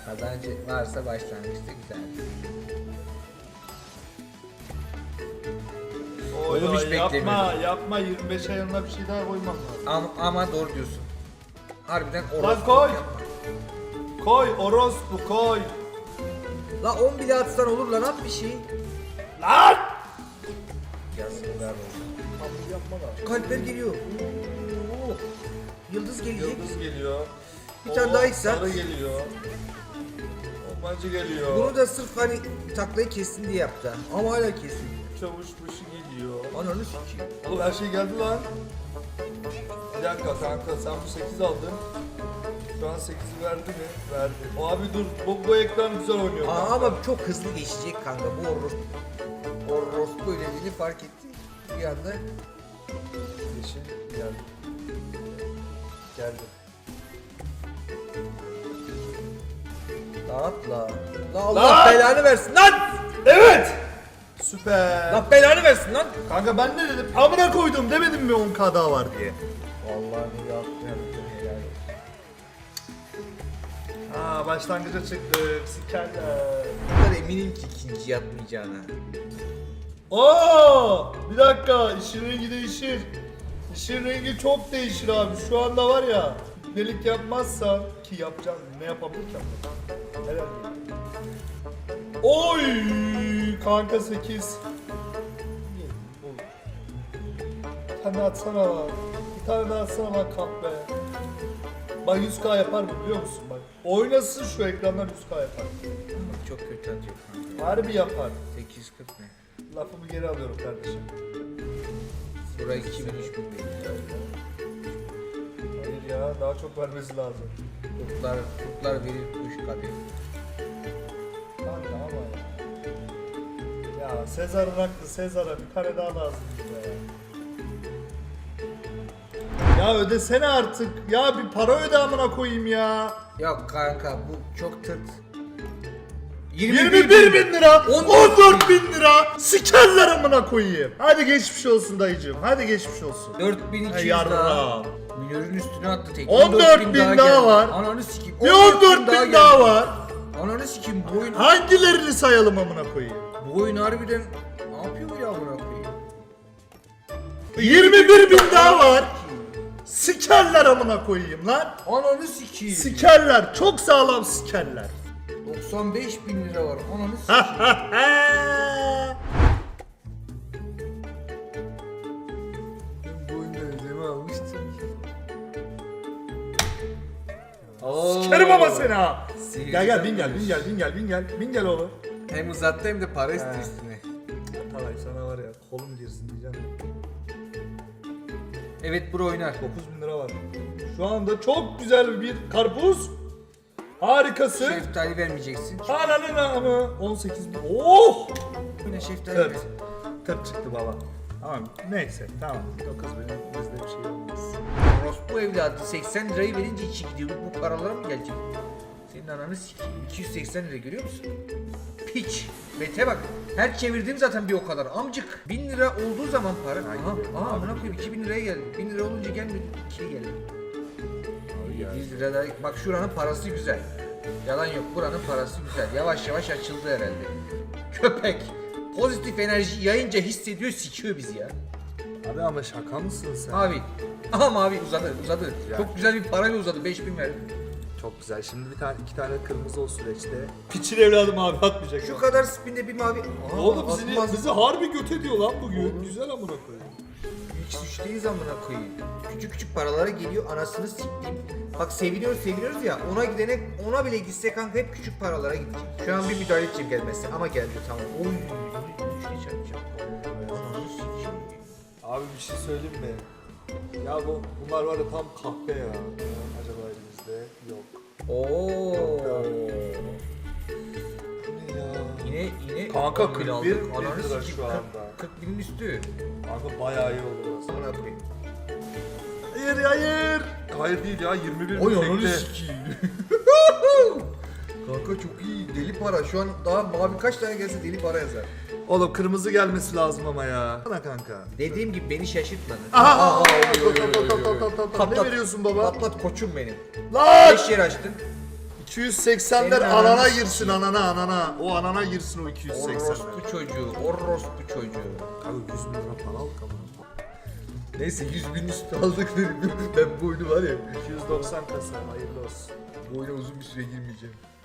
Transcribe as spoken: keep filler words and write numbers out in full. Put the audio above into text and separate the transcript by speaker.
Speaker 1: Kazancı varsa başlangıçta güzel.
Speaker 2: Oy,
Speaker 1: Oğlum hiç
Speaker 2: oy, yapma
Speaker 1: beklemiyordum.
Speaker 2: yapma yirmi beşe yanına bir şey daha koymam lazım.
Speaker 1: Ama, ama doğru diyorsun. Harbiden
Speaker 2: Lan
Speaker 1: orospu
Speaker 2: koy.
Speaker 1: yapma.
Speaker 2: Koy orospu koy.
Speaker 1: La on bile atsan olur lan, at bir şey.
Speaker 2: Lan!
Speaker 1: Yazıklar olsun.
Speaker 2: Abi yapma da.
Speaker 1: Kalpler geliyor. Oo. Yıldız gelecek.
Speaker 2: Yıldız geliyor.
Speaker 1: Bir tane daha iksan.
Speaker 2: Sarı geliyor. Bombacı geliyor.
Speaker 1: Bunu da sırf hani taklayı kessin diye yaptı. Ama hala kesin.
Speaker 2: Çavuş başı geliyor.
Speaker 1: Ananı sikeyim.
Speaker 2: Oğlum her şey geldi lan. Bir dakika kanka sen bu sekiz aldın. Şu an sekizi verdi mi? Verdi. Abi dur bu, bu ekran güzel oynuyor.
Speaker 1: Aa,
Speaker 2: kanka.
Speaker 1: ama çok hızlı geçecek kanka. Bu orospu. Orospu öyle fark etti. Bir anda
Speaker 2: Yeşil geldi. Geldi.
Speaker 1: dağıt la. La Allah
Speaker 2: Lan!
Speaker 1: belanı versin lan.
Speaker 2: Evet! Süper.
Speaker 1: Allah belanı versin lan.
Speaker 2: Kanka ben ne dedim? Amına koydum demedim mi on k daha var diye.
Speaker 1: Vallahi ne yaptın yaptın helal olsun.
Speaker 2: Aa başlangıca çıktık. Sikerler.
Speaker 1: Bu kadar eminim ki ikinci yatmayacağına.
Speaker 2: Oo! Bir dakika işin rengi değişir. İşin rengi çok değişir abi. Şu anda var ya delik yapmazsan ki yapacağım ne yapabilir ki? Herhalde. Oy! Kanka sekiz. Bir tane atsana lan. Bir tane daha atsana lan kahpe. Bak yüz k yapar mı biliyor musun bak. Oynasın şu ekranlar yüz k yapar.
Speaker 1: Çok kötü atıyor kanka.
Speaker 2: Harbi yapar.
Speaker 1: sekiz yüz kırk ne?
Speaker 2: Lafımı geri alıyorum kardeşim.
Speaker 1: Buraya iki bin üç bin veriyor.
Speaker 2: Hayır ya daha çok vermesi lazım.
Speaker 1: Kurtlar, kurtlar verir kuş kadeh.
Speaker 2: Kanka ama ya. Ya Sezar'ın haklı Sezar'a bir tane daha lazım bize ya. Ya ödesene artık. Ya bir para öde amına koyayım ya.
Speaker 1: Yok kanka bu çok tırt.
Speaker 2: yirmi bir bin lira,
Speaker 1: on
Speaker 2: on dört bin lira. Sikerler amına koyayım. Hadi geçmiş olsun dayıcığım. Hadi geçmiş olsun.
Speaker 1: dört bin iki
Speaker 2: Hey
Speaker 1: yüz daha.
Speaker 2: yarra.
Speaker 1: Minörün üstüne attı tek.
Speaker 2: on dört bin daha
Speaker 1: geldi.
Speaker 2: var.
Speaker 1: Ananı sikeyim.
Speaker 2: Bir on dört bin daha
Speaker 1: geldi.
Speaker 2: var.
Speaker 1: Ananı sikeyim bu oyun.
Speaker 2: Hangilerini sayalım amına koyayım?
Speaker 1: Bu oyun harbiden ne yapıyor bu ya amına koyayım?
Speaker 2: yirmi bir bin daha var. Sikerler amına koyayım lan.
Speaker 1: Ananı sikeyim.
Speaker 2: Sikerler. Çok sağlam sikerler.
Speaker 1: doksan beş bin lira var. Ananı sikeyim. Bu oyunda ödeme almıştım. Oo.
Speaker 2: Sikerim ama seni ha.
Speaker 1: Sihirli
Speaker 2: Gel gel bin gel
Speaker 1: yapmış.
Speaker 2: bin gel bin gel bin gel. Bin gel oğlum.
Speaker 1: Hem uzattı hem de para
Speaker 2: He.
Speaker 1: istiyor üstüne.
Speaker 2: Atalay sana var ya kolum girsin diyeceğim.
Speaker 1: Evet bro oynar.
Speaker 2: dokuz bin lira var. Şu anda çok güzel bir karpuz. Harikası.
Speaker 1: Şeftali vermeyeceksin.
Speaker 2: Ananın amı. on sekiz bin. Oh!
Speaker 1: Yine şeftali
Speaker 2: kırk.
Speaker 1: ver.
Speaker 2: kırk çıktı baba. Tamam neyse tamam. dokuz bin bizde bir şey olmaz.
Speaker 1: Orospu evladı seksen lirayı verince içi gidiyor. Bu paralara mı gelecek? Senin ananı sikeyim. iki yüz seksen lira görüyor musun? Piç. Mete bak. Her çevirdiğim zaten bir o kadar. Amcık. bin lira olduğu zaman para. Aha. Aha amına koyayım iki bin liraya geldi. bin lira olunca gelmedi. ikiye geldi. yedi yüz lira da. Bak şuranın parası güzel. Yalan yok. Buranın parası güzel. Yavaş yavaş açıldı herhalde. Köpek. Pozitif enerji yayınca hissediyor, sikiyor bizi ya.
Speaker 2: Abi ama şaka mısın sen?
Speaker 1: Mavi. Aha mavi uzadı uzadı.
Speaker 2: Ya.
Speaker 1: Çok güzel bir parayla uzadı. beş bin verdim.
Speaker 2: Çok güzel. Şimdi bir tane iki tane kırmızı o süreçte. Piçin evladım abi atmayacak.
Speaker 1: Şu kadar spinde bir mavi. Aa,
Speaker 2: Oğlum bizi,
Speaker 1: atmaz.
Speaker 2: bizi harbi göt ediyor lan bugün. Güzel amına koyayım.
Speaker 1: Hiç suçtayız amına koyayım. Küçük küçük paralara geliyor anasını siktiğim. Bak seviniyoruz seviniyoruz ya ona gidene ona bile gitse kanka hep küçük paralara gidecek. Şu an bir müdahale edeceğim gelmezse ama geldi tamam. Oy. Şey çarpacağım. Ananı sikeyim.
Speaker 2: Abi bir şey söyleyeyim mi? Ya bu bunlar var ya tam kahpe ya. Acaba elimizde yok.
Speaker 1: Oo.
Speaker 2: Bu ne ya?
Speaker 1: Yine yine
Speaker 2: Kanka
Speaker 1: on bin
Speaker 2: kırk
Speaker 1: aldık.
Speaker 2: bir bin
Speaker 1: Ananı
Speaker 2: lira
Speaker 1: sikeyim,
Speaker 2: şu anda.
Speaker 1: kırk kırk binin üstü.
Speaker 2: Kanka bayağı iyi oldu burası.
Speaker 1: Amına koyayım.
Speaker 2: Hayır hayır. Hayır değil ya yirmi bir
Speaker 1: Oy
Speaker 2: bin
Speaker 1: ananı
Speaker 2: tekte.
Speaker 1: sikeyim. Kanka çok iyi deli para. Şu an daha mavi kaç tane gelse deli para yazar.
Speaker 2: Oğlum kırmızı gelmesi lazım ama ya. Sana kanka.
Speaker 1: Dediğim gibi beni şaşırtmadı.
Speaker 2: Aha!
Speaker 1: Aa,
Speaker 2: Tat,
Speaker 1: oy, oy,
Speaker 2: tat,
Speaker 1: oy,
Speaker 2: tat,
Speaker 1: oy,
Speaker 2: tat,
Speaker 1: oy.
Speaker 2: tat, tat, tat.
Speaker 1: Patlat.
Speaker 2: Ne veriyorsun baba?
Speaker 1: Patlat koçum benim.
Speaker 2: Lan!
Speaker 1: beş yer açtın.
Speaker 2: iki yüz seksenler
Speaker 1: Senin
Speaker 2: anana
Speaker 1: ananı
Speaker 2: girsin
Speaker 1: sikeyim.
Speaker 2: anana anana. O anana girsin o iki yüz seksenler.
Speaker 1: Orospu çocuğu, orospu çocuğu.
Speaker 2: Kanka yüz bin lira para aldık ama.
Speaker 1: Neyse yüz bin üstü aldık dedim. Ben bu oyunu var ya.
Speaker 2: iki yüz doksan kasa hayırlı olsun.
Speaker 1: Bu oyuna uzun bir süre girmeyeceğim.